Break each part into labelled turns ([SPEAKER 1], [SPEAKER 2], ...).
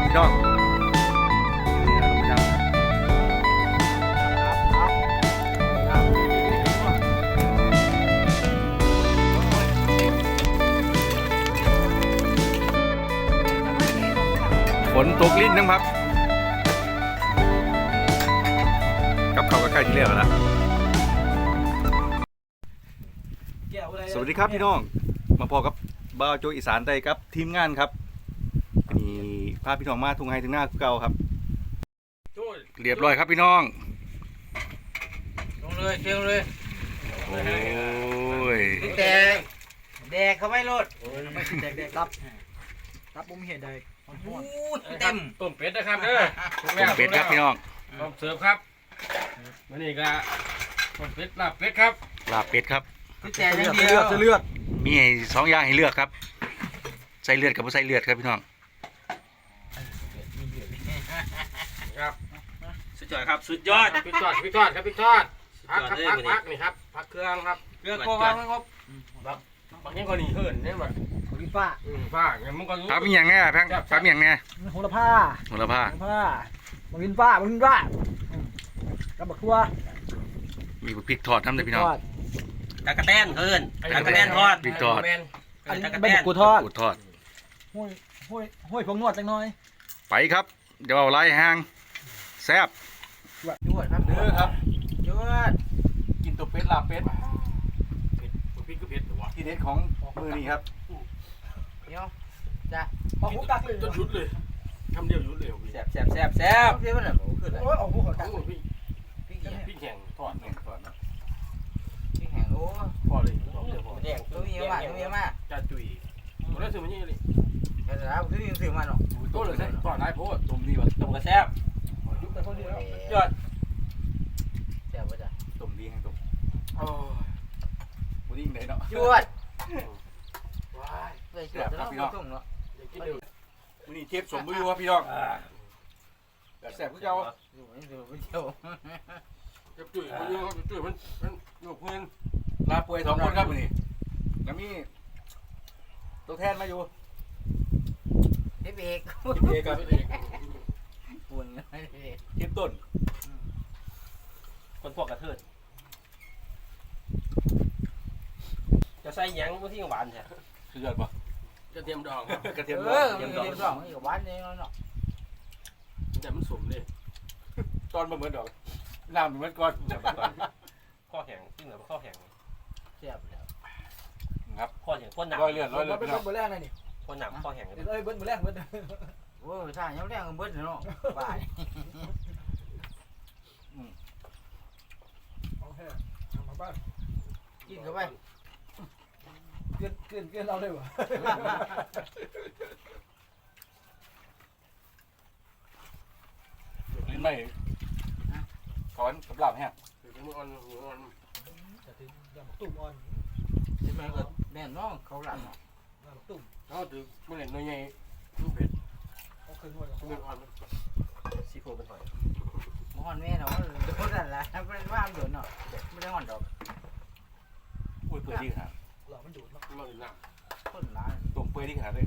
[SPEAKER 1] พี่น้องฝนตกลิ้นนะครับกับเขาก็ใกล้ที่เรียกแล้วสวัสดีครับพี่น้องมาพอกับบ่าวโจอีสานใต้ครับทีมงานครับนี่พาพี่น้องมาทุ่งไฮถึงหน้าเก่าครับเรียบร้อยครับพี่น้อง
[SPEAKER 2] ลงเลยเชียวเลย
[SPEAKER 1] โอ้ย
[SPEAKER 2] แดกเขาไม่ลด
[SPEAKER 3] ไม่แดกรับผมเห็นได้
[SPEAKER 2] เต็ม
[SPEAKER 4] ต้มเป็ดนะครับเด้อ
[SPEAKER 1] ต้มเป็ดครับพี่น้อง
[SPEAKER 4] ต้มเสิร์ฟครับวันนี้ก็ต้มเป็ดลาบเป็ดครับ
[SPEAKER 1] ลาบเป็ดครับ
[SPEAKER 2] แต่ยังเดียว
[SPEAKER 3] เลือด
[SPEAKER 1] มีสองอย่างให้เลือกครับใส่เลือดกับไม่ใส่เลือดครับพี่น้อง
[SPEAKER 4] ครับสุดยอดครับสุดยอดพี่ทอดครับพี่ทอดพักนี่ครับพักเครื่องครับ
[SPEAKER 2] เรื่องโกงครับ
[SPEAKER 4] บางอย่างก็หนีเหินเนี่ยแบบ
[SPEAKER 3] วินฟ้า
[SPEAKER 4] อย่างมึงก็รู้
[SPEAKER 1] ถามมีอย่างไงแพงถามมีอย่างไง
[SPEAKER 3] โหระพามาวินฟ้ากับบักทั่ว
[SPEAKER 1] มีพริกทอดทำเลยพี่น้อง
[SPEAKER 2] ตะกะแตนเหินตะกะแตนทอด
[SPEAKER 1] พริกทอด
[SPEAKER 3] อันนี้เป็นกูทอดห้วยพงนวดจังน้อย
[SPEAKER 1] ไปครับเดี๋ยวเอาไล่ห่างแซ่บ
[SPEAKER 2] ยวดครับเด้อครับยวด
[SPEAKER 1] กินตัวเป็ดลาบเป็ด
[SPEAKER 4] พริกก็เผ็ดหรอวะ
[SPEAKER 1] ที่เด็ดของมือนี่ครับ
[SPEAKER 2] เดี๋ยวจ้ะ
[SPEAKER 3] เอาหูกักเลย
[SPEAKER 4] จนยุดเลยทำเดียวยุดเลย
[SPEAKER 2] แซ่บเดี๋ยวมันแบบขึ้นเลย
[SPEAKER 3] โอ้ยเอาหูกัก
[SPEAKER 4] พี่แข็งทอดเนี่ยทอดนะ
[SPEAKER 2] พี่แห้งโอ้
[SPEAKER 4] พอเลย
[SPEAKER 2] แดงตัวเยอะมาก
[SPEAKER 4] จะจุยตัวนั้นซื้อมานี่เลย
[SPEAKER 2] แต่แล้วตัวนี้ซื้อมาเนาะ
[SPEAKER 4] ตัวเลยทอดได้เพราะว่าต้มดีว่ะต้มกระแซบ
[SPEAKER 3] ยุบแต่คนเดียวย
[SPEAKER 4] อด
[SPEAKER 2] แซ่บป่ะจ๊ะ
[SPEAKER 1] ต้มดีให้ต้ม
[SPEAKER 4] โอ้
[SPEAKER 1] บุดิ้งเลยเนาะ
[SPEAKER 2] ยวด
[SPEAKER 4] ว้าย
[SPEAKER 2] แซ่บครับพี่น้อง
[SPEAKER 1] วันนี้เทปสมบูรณ์ครับพี่น้องแซ่บพี่เจ้า
[SPEAKER 4] จะจุยมันเยอะครับจุยมันหนุกเงิน
[SPEAKER 1] ลาป่วย2 คนครับวันนี้แล้วมีตัวแทนมาอยู่
[SPEAKER 2] พี่เอก
[SPEAKER 1] กับ
[SPEAKER 2] ปุ่น
[SPEAKER 1] เทปต้น
[SPEAKER 4] คนพวกกระเทิดจะใส่ยังไม่ที่หวานใช่
[SPEAKER 1] สุดยอดปะ
[SPEAKER 4] กระเทียมดอง
[SPEAKER 1] กระเทียมด
[SPEAKER 2] องนี่กับหวานนี่เนาะ
[SPEAKER 4] แต่มันสมเลย
[SPEAKER 1] ตอนมาเหมือนดอกน้ำเหมือนก้อน
[SPEAKER 4] ข้อแข็งที่เหลือข้อแข็ง
[SPEAKER 2] แซ่บแล้ว
[SPEAKER 1] ครับ
[SPEAKER 4] ข้อแข็งข้อหนัก
[SPEAKER 1] ร้อยเลือด
[SPEAKER 3] เป็นเบอร์แรกเลยนี่
[SPEAKER 4] ข้อหนักข้อแข็ง
[SPEAKER 3] เบิ้ลเบอร์แรกเบิ้ล
[SPEAKER 2] โอ้ยท่ายังแรงเบิ้ลเนาะบ้ากินเข้าไป
[SPEAKER 3] เกินเราเลยวะ
[SPEAKER 1] ลิ้นไม่ขอนสำหรับแฮะ
[SPEAKER 4] มืออ่อน
[SPEAKER 3] จะถึงยังตุ่มอ่อน
[SPEAKER 2] ใช่ไหมก็แน่นน้องเขาหลัง
[SPEAKER 3] ตุ่ม
[SPEAKER 4] เขาถือเมื่อไหร่น้อยใหญ่ลูกเผ็ด
[SPEAKER 3] เขาเคยนวด
[SPEAKER 4] มืออ่อนซีโฟเป็นหอย
[SPEAKER 2] มอนแม่เนาะโดนอะไรเป็นว่าโดนเนาะไม่ได้หอนดอก
[SPEAKER 1] อุ้ยเปื่อยดีขนาด
[SPEAKER 3] หล่อมันดูดเนาะ
[SPEAKER 4] มันหนัก
[SPEAKER 2] ต้นร้าน
[SPEAKER 1] ตุ่มเปื่อยดีขนาดเลย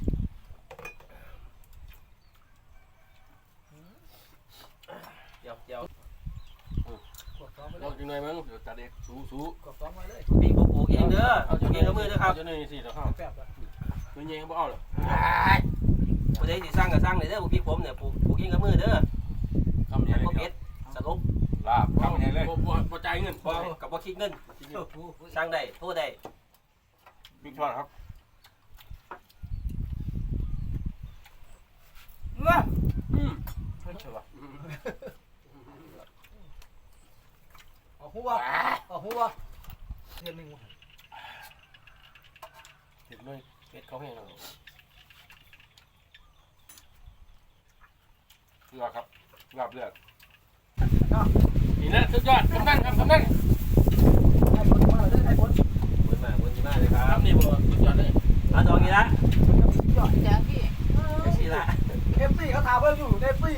[SPEAKER 4] เดี๋ยว
[SPEAKER 3] เรา
[SPEAKER 4] อยู่ในมั้งเดี๋ยวตัดเด็กสู้
[SPEAKER 3] กดซ้อมมาเลย
[SPEAKER 4] ปีกปลูกเองเด้อเอาเองกับมือเด้อครับจะนี่สิเดี๋ยวเข้าตัวเงี้ยบ่เอาหรอผู้ใดสิสร้างก็สร้างเลยเด้อพี่ผมเนี่ยปลูกเองกับมือเด้อ
[SPEAKER 1] ทำยังไง
[SPEAKER 4] บ่เพชรสรุป
[SPEAKER 1] ลาบทำยังไงเลย
[SPEAKER 4] บ่จ่ายเงินกับบ่คิดเงินสร้างได้โทษได้
[SPEAKER 1] บิ๊กช็อตครับ
[SPEAKER 2] เพิ่นเฉย
[SPEAKER 3] หัวเดือนหนึ่ง
[SPEAKER 4] เห็ดเลยเห็ดเขาเห็นเรา
[SPEAKER 1] เลือดครับลาบเลือด
[SPEAKER 4] นี่นะสุดยอดกำนันครับกำนัน
[SPEAKER 3] ให้ผลมาเลยให้ผล
[SPEAKER 4] วนมาเลยครับนี่บ่สุดยอดเลยเอาตรงนี้ละ
[SPEAKER 2] ยอดแจ้งพี่
[SPEAKER 4] ไอ้สิละ
[SPEAKER 3] FC เขาถามว่าอยู่ในFC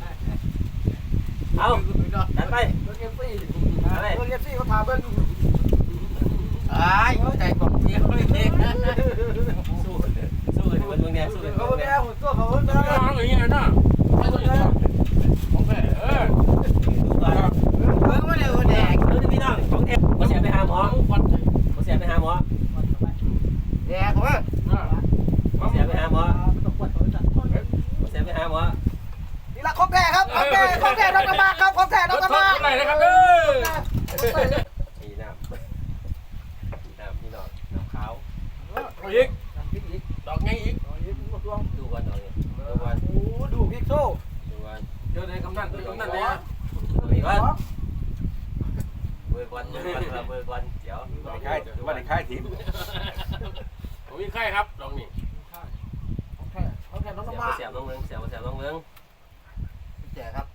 [SPEAKER 4] เอาดันไป
[SPEAKER 3] เรื่อง FC เขาถามว่าอยู่
[SPEAKER 2] ใจผมเดียวเลย
[SPEAKER 4] สู้สู้กันมันเมืองแน่สู้กัน
[SPEAKER 2] เขา
[SPEAKER 4] เมือง
[SPEAKER 2] แม่
[SPEAKER 4] แน่
[SPEAKER 2] หุ่นตัวเขาหุ่น
[SPEAKER 3] อย่างนี้นะไม่ต้องของแพ้
[SPEAKER 4] ดูก่อน
[SPEAKER 2] เบิ่งมาเดี๋ยวแดก
[SPEAKER 4] ดูพี่น้องของแท้มาเสียไปหาหมอมาเสียไปหาหมอ
[SPEAKER 2] แดกเขาว่า
[SPEAKER 4] มาเสียไปหาหมอมาเสียไปหาหมอ
[SPEAKER 2] นี่ละของแท้ครับของแท้ของแท้ต้องกระบะครับของแท้ต้องกระบะ
[SPEAKER 3] ไหนนะครับเด้อ
[SPEAKER 4] นี่น้ำพี่น้องน้ำขาว
[SPEAKER 3] เอาอีกดอกไงอีก
[SPEAKER 4] ดูก่อนดูก่อน
[SPEAKER 2] โอ้ดูพิกโซ่
[SPEAKER 4] ดูก่อน
[SPEAKER 3] เดี๋ยวในกำนันในกำนันเนี่ย
[SPEAKER 4] ดูก่อนเบอร์ก่อนเดี๋ยว
[SPEAKER 1] ค่ายหรือว่าในค่ายทีม
[SPEAKER 3] ผมมีไข้ครับดอกนี่
[SPEAKER 2] ของแท้ต้องกระบะ
[SPEAKER 4] เสียบน้องเมือง
[SPEAKER 2] แจกครับ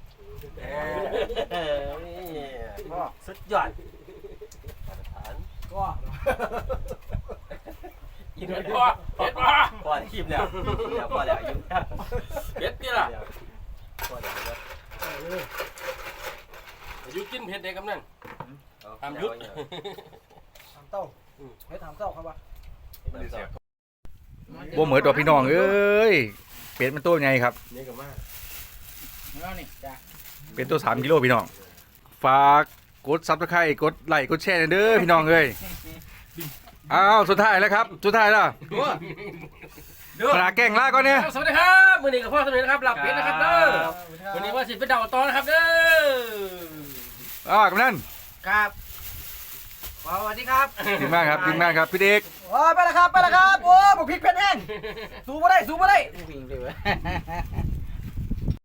[SPEAKER 4] สุดยอดมาตรฐาน
[SPEAKER 2] ก็
[SPEAKER 4] ยิง
[SPEAKER 3] เผ็
[SPEAKER 4] เล
[SPEAKER 3] ด
[SPEAKER 4] ย
[SPEAKER 3] ป่ะเผ็ดป่ะ
[SPEAKER 4] ก่อนทีมแล้วพอแล้วยิง
[SPEAKER 3] เผ็ดนี่ล่ะ
[SPEAKER 4] พอแล้ว
[SPEAKER 3] ยุดกินเผ็ดในกำนัน
[SPEAKER 2] ทำเต้าให้ทำเต้าครับว่า
[SPEAKER 1] บ่เหมือนตัวพี่น้องเอ้ยเป็ดมันตัวใหญ่ครับ
[SPEAKER 4] นี่ก็มาก
[SPEAKER 2] แล้วนี่จ้ะ
[SPEAKER 1] เป็นตัว3 กิโลพี่น้องฝากกดซับสไครต์กดไลค์กดแชร์เด้อพี่น้องเอ้ยอ้าวสุดท้ายแล้วครับสุดท้ายแล้วปลาแกงลาก่อนเนี่ย
[SPEAKER 3] สวัสดีครับมือนี้กับพ่อสนุกนะครับหลับเป็ดนะครับเด้อวันนี้ว่าสิเป็นดาวตอนนะครับเด้อ
[SPEAKER 1] กำนัน
[SPEAKER 2] ครับสวัสดีครับ
[SPEAKER 1] ดีมากครับพี่เด็ก
[SPEAKER 2] โอ้ไปแล้วครับโอ้บุกพริกเผ็ดแห้งสู้มาได้วิ่งไปเว้ย